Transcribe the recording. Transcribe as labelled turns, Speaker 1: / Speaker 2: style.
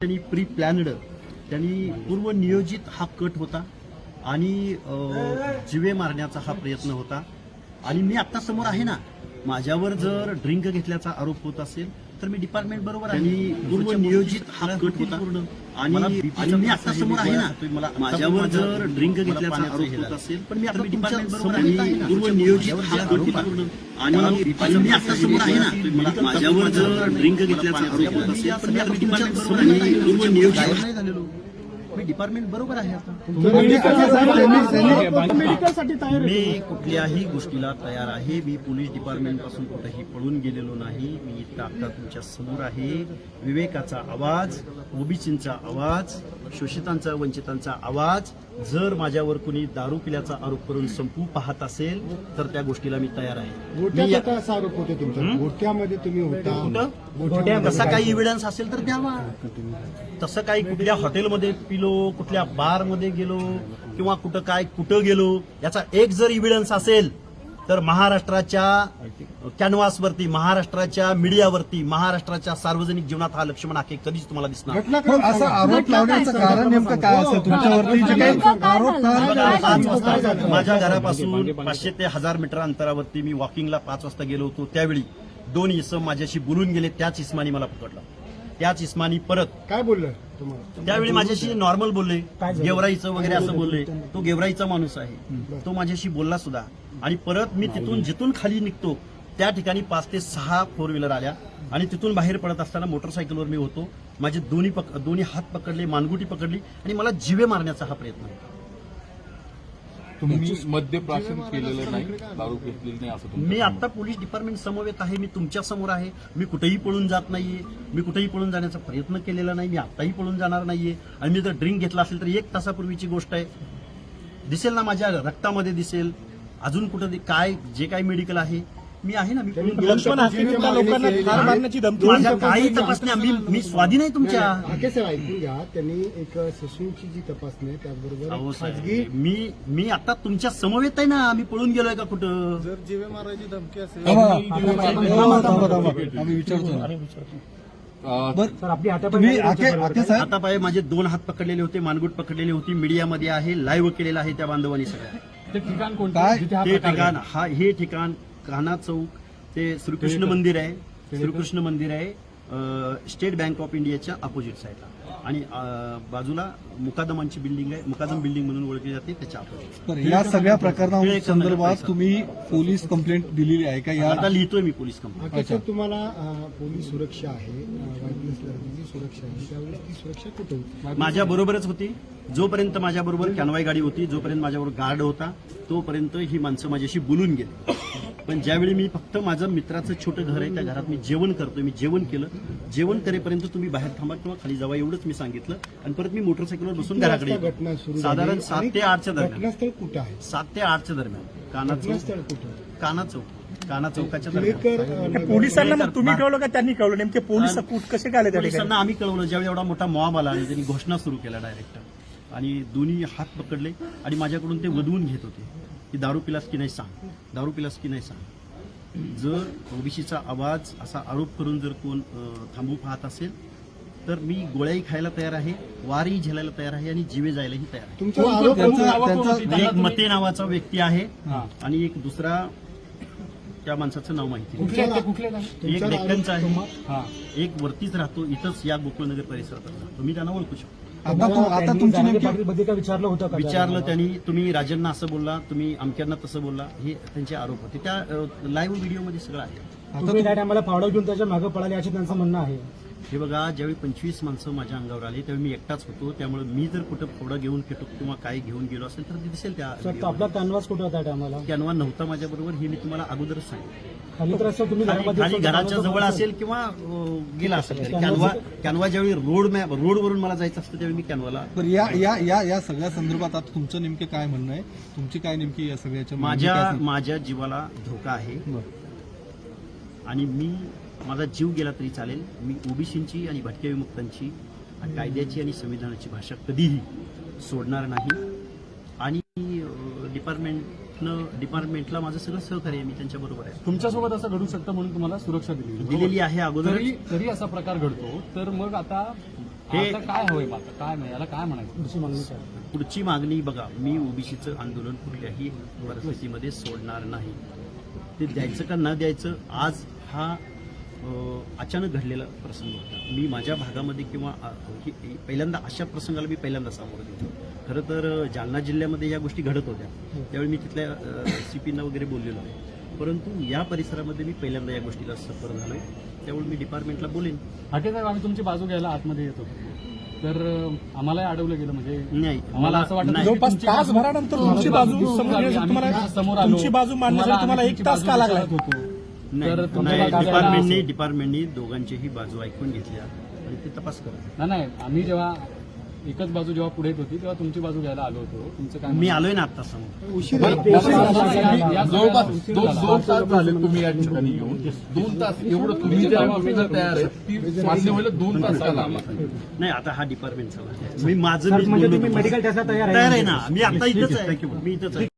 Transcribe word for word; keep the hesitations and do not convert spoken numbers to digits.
Speaker 1: त्यांनी pre planned, त्यांनी पूर्व नियोजित हा कट होता आणि जिवे मारण्याचा हा प्रयत्न होता. आणि मी आता समोर आहे ना, माझ्यावर जर ड्रिंक घेतल्याचा आरोप होत असेल तर मी डिपार्टमेंट बरोबर आहे. आणि पूर्व नियोजित हा कट होता आणि मी आता समोर आहे ना, मला माझ्यावर जर ड्रिंक घेतल्याचा आरोप होत असेल पण मी आता डिपार्टमेंट बरोबर आहे. पूर्व नियोजित हा कट होता आणि मी आता समोर आहे ना, मला माझ्यावर जर ड्रिंक घेतल्याचा आरोप होत असेल पण मी आता डिपार्टमेंट बरोबर आहे. पूर्व नियोजित नाही झालेलो, मी डिपार्टमेंट बरोबर आहे. आता मी कुठल्याही गोष्टीला तयार आहे. मी पोलीस डिपार्टमेंट पासून कुठेही पळून गेलेलो नाही. मी इतका आता तुमच्या समोर आहे. विवेकाचा आवाज, ओबीसींचा आवाज, शोषितांचा, वंचितांचा आवाज जर माझ्यावर कुणी दारू पिल्याचा आरोप करून संपू पाहत असेल तर त्या गोष्टीला मी तयार आहे.
Speaker 2: असा आरोप होते तुमचा, गोट्यामध्ये तुम्ही होता,
Speaker 1: तसा काही इव्हिडन्स असेल तर द्यावा. तसं काही कुठल्या हॉटेलमध्ये पिलो, कुठल्या बारमध्ये गेलो किंवा कुठं काय कुठं गेलो याचा एक जर इव्हिडन्स असेल तर महाराष्ट्राच्या कॅनव्हासवरती, महाराष्ट्राच्या मीडियावरती, महाराष्ट्राच्या सार्वजनिक जीवनात हा लक्ष्मण आखे कधीच तुम्हाला दिसणार.
Speaker 2: असा आरोप लावण्याचं कारण नेमकं काय असेल तुमच्यावरती?
Speaker 1: माझ्या घरापासून पाचशे ते हजार मीटर अंतरावरती मी वॉकिंगला पाच वाजता गेलो होतो. त्यावेळी दोन इसम माझ्याशी बोलून गेले. त्याच इस्मानी मला पकडलं. त्याच इस्मानी परत
Speaker 2: काय बोललं तुम्हाला?
Speaker 1: त्यावेळी माझ्याशी नॉर्मल बोलले, गेवराईचं वगैरे असं बोलले. तो गेवराईचा माणूस आहे, तो माझ्याशी बोलला सुद्धा. आणि परत मी तिथून जिथून खाली निघतो त्या ठिकाणी पाच ते सहा फोर व्हीलर आल्या आणि तिथून बाहेर पडत असताना मोटरसायकलवर मी होतो. माझे दोन्ही पक दोन्ही हात पकडले, मानगुटी पकडली आणि मला जिवे मारण्याचा हा प्रयत्न होता.
Speaker 3: तुम्ही मद्यप्राशन केलेलं नाही, दारू घेतलेली नाही असं
Speaker 1: मी आता पोलीस डिपार्टमेंट समवेत आहे. मी तुमच्या समोर आहे. मी कुठेही पळून जात नाहीये. मी कुठेही पळून जाण्याचा प्रयत्न केलेला नाही. मी आताही पळून जाणार नाहीये. आणि मी जर ड्रिंक घेतला असेल तर एक तासापूर्वीची गोष्ट आहे. दिसेल ना, माझ्या रक्तामध्ये दिसेल. अजून कुठं काय जे काही मेडिकल आहे मी आहे ना. मी माझ्या काही तपासण्या मी मी स्वाधीन आहे तुमच्या.
Speaker 2: साहेब ऐकून घ्या, त्यांनी एक ससूनची जी तपासणी आहे त्याचबरोबर खाजगी.
Speaker 1: मी मी आता तुमच्या समवेत आहे ना. मी पळून गेलोय का कुठं?
Speaker 4: जर जीवे मारायची धमकी असेल
Speaker 2: आम्ही विचारतो.
Speaker 1: आता पाय माझे दोन हात पकडलेले होते, मानगुट पकडलेली होती. मीडियामध्ये आहे, लाईव्ह केलेलं आहे त्या बांधवांनी सगळ्या.
Speaker 4: ते ठिकाण कोणतं?
Speaker 1: ते ठिकाण हा हे ठिकाण कान्हा चौक, ते श्रीकृष्ण मंदिर आहे. श्रीकृष्ण मंदिर आहे स्टेट बँक ऑफ इंडियाच्या अपोजिट साईडला. आणि बाजूला मुकादमांची बिल्डिंग आहे, मुकादम बिल्डिंग म्हणून ओळखली जाते, त्याच्या अपोजिट.
Speaker 2: या सगळ्या प्रकरणासंदर्भात तुम्ही पोलीस कंप्लेंट दिलेली आहे का?
Speaker 1: आता लिहितोय मी पोलीस कंप्लेंट.
Speaker 2: सर, तुम्हाला पोलीस सुरक्षा आहे, सुरक्षा आहे, त्यावेळेस ती सुरक्षा कुठे होती?
Speaker 1: माझ्या बरोबरच होती. जोपर्यंत माझ्या बरोबर कॅनवाई गाडी होती, जोपर्यंत माझ्याबरोबर गार्ड होता, तोपर्यंत ही माणसं माझ्याशी बोलून गेली. पण ज्यावेळी मी फक्त माझं मित्राचं छोटं घर आहे, त्या घरात मी जेवण करतोय, मी जेवण केलं. जेवण करेपर्यंत तुम्ही बाहेर थांबा किंवा खाली जावा एवढंच मी सांगितलं. आणि परत मी मोटरसायकलवर बसून घराकडे
Speaker 2: घटना सुरू
Speaker 1: साधारण सात ते आठच्या दरम्यान.
Speaker 2: घटनास्थळ कुठं आहे?
Speaker 1: सात ते आठच्या दरम्यान काना
Speaker 2: घटनास्थळ कुठं?
Speaker 1: काना चौक काना चौकाच्या दरम्यान.
Speaker 5: पोलिसांना मग तुम्ही कळवलं का त्यांनी कळवलं? नेमके पोलीस कसे काय आले?
Speaker 1: पोलिसांना आम्ही कळवलं. ज्यावेळी एवढा मोठा मॉब आला आणि त्यांनी घोषणा सुरू केला डायरेक्ट, आणि दोन्ही हात पकडले आणि माझ्याकडून ते वधवून घेत होते की दारू पिलास की नाही सांग, दारू पिलास की नाही सांग. जर ओबीसीचा आवाज असा आरोप करून जर कोण थांबू पाहत असेल तर मी गोळ्याही खायला तयार आहे, वारही झेलायला तयार आहे आणि जीवे जायलाही तयार आहे. एक मते नावाचा व्यक्ती आहे आणि एक दुसरा त्या माणसाचं नाव माहिती नाही. एक डेक्कनचा आहे, एक वरतीच राहतो, इथंच या गोकुळनगर परिसरात राहतो. मी त्यांना ओळखू शकतो.
Speaker 2: आता तुमची नेमकी
Speaker 5: विचारलं होतं?
Speaker 1: विचारलं त्यांनी. तुम्ही राजांना असं बोलला, तुम्ही अमक्यांना तसं बोलला, हे त्यांचे आरोप होते. त्या लाईव्ह व्हिडिओमध्ये सगळं आहे.
Speaker 5: तुम्ही त्या टायमाला फावडा घेऊन त्याच्या मागे पळाले असे त्यांचं म्हणणं आहे.
Speaker 1: हे बघा, ज्यावेळी पंचवीस माणसं माझ्या अंगावर आली त्यावेळी मी एकटाच होतो. त्यामुळे मी जर कुठं फोडा घेऊन फेटो किंवा काही घेऊन गेलो असेल तर ते दिसेल. त्या
Speaker 5: आपला कॅनव्हास कुठं होता टायमाला?
Speaker 1: कॅनवा नव्हता माझ्याबरोबर, हे मी तुम्हाला अगोदरच सांगितलं.
Speaker 5: खाली तर असं तुम्ही
Speaker 1: खाली घराच्या जवळ असेल किंवा गेला असेल. कॅनवा कॅनवा ज्यावेळी रोड मॅप रोडवरून मला जायचं असतं त्यावेळी मी कॅनवाला.
Speaker 2: या या या या सगळ्या संदर्भात आता तुमचं नेमकं काय म्हणणं आहे? तुमची काय नेमकी या सगळ्याच्या?
Speaker 1: माझ्या माझ्या जीवाला धोका आहे आणि मी माझा जीव गेला तरी चालेल. मी ओबीसींची आणि भटक्या विमुक्तांची आणि कायद्याची आणि संविधानाची भाषा कधीही सोडणार नाही. आणि डिपार्टमेंटनं डिपार्टमेंटला माझं सगळं सहकार्य आहे, मी त्यांच्या बरोबर आहे.
Speaker 4: तुमच्यासोबत असं घडू शकतं म्हणून तुम्हाला सुरक्षा दिली
Speaker 1: दिलेली आहे अगोदर.
Speaker 4: तरी असा प्रकार घडतो तर मग आता
Speaker 1: हे
Speaker 3: आता काय हवंय आता काय नाही याला काय म्हणायचं
Speaker 1: पुढची मागणी बघा, मी ओबीसीचं आंदोलन कुठल्याही परिस्थितीमध्ये सोडणार नाही. ते द्यायचं का न द्यायचं आज हा अ, अचानक घडलेला प्रसंग होता. मी माझ्या भागामध्ये किंवा अ, ही- ही- पहिल्यांदा अशा प्रसंगाला मी पहिल्यांदा सामोरं गेलो. खरं तर अ, जालना जिल्ह्यामध्ये या गोष्टी घडत होत्या, त्यावेळी मी तिथल्या सी पीना वगैरे बोललेलो आहे. परंतु या परिसरामध्ये मी पहिल्यांदा या गोष्टीला सफर झालोय, त्यामुळे मी डिपार्टमेंटला बोलेन.
Speaker 3: हाके साहेब आम्ही तुमची बाजू घ्यायला आतमध्ये येतो तर अं, आम्हालाही अडवलं गेलं म्हणजे
Speaker 1: नाही
Speaker 3: आम्हाला असं वाटतं
Speaker 1: नाही.
Speaker 3: की
Speaker 5: जवळपास
Speaker 3: तुमची
Speaker 5: तासभरानंतर तुमची बाजू समजण्यासाठी
Speaker 3: आम्ही
Speaker 5: तुम्हाला
Speaker 3: समोर आलो.
Speaker 5: तुमची बाजू मांडण्यासाठी तुम्हाला एक
Speaker 3: तुमची
Speaker 5: तास
Speaker 3: बाजू
Speaker 5: का लागला
Speaker 3: विचारत होतो.
Speaker 1: नाही,
Speaker 3: तर तुमच्या
Speaker 1: नाही,
Speaker 3: बाजूला
Speaker 1: डिपार्टमेंटने
Speaker 3: असं-
Speaker 1: डिपार्टमेंटने दोघांचीही बाजू ऐकून घेतल्या आणि ते तपास करा.
Speaker 3: नाही नाही आम्ही जेव्हा एकच बाजू जेव्हा पुढे येत होती तेव्हा तुमची बाजू घ्यायला आलो होतो. तुमचं काय
Speaker 1: मी आलोय ना आता समोर.
Speaker 2: उशीर
Speaker 3: या- या सगळ्याला
Speaker 6: जवळपास
Speaker 3: उशीर
Speaker 6: दोन
Speaker 3: झाला.
Speaker 6: दोन तास झाले तुम्ही या ठिकाणी येऊन दोन तास एवढं तुम्ही ज्या गोष्टीला तयार आहे ती मान्य व्हायला दोन तास का लागला
Speaker 1: नाही आता हा डिपार्टमेंटचा मी माझं मी बोललो तुम्हाला. तयार आहे ना, मी आता इथंच आहे मी इथंच आहे.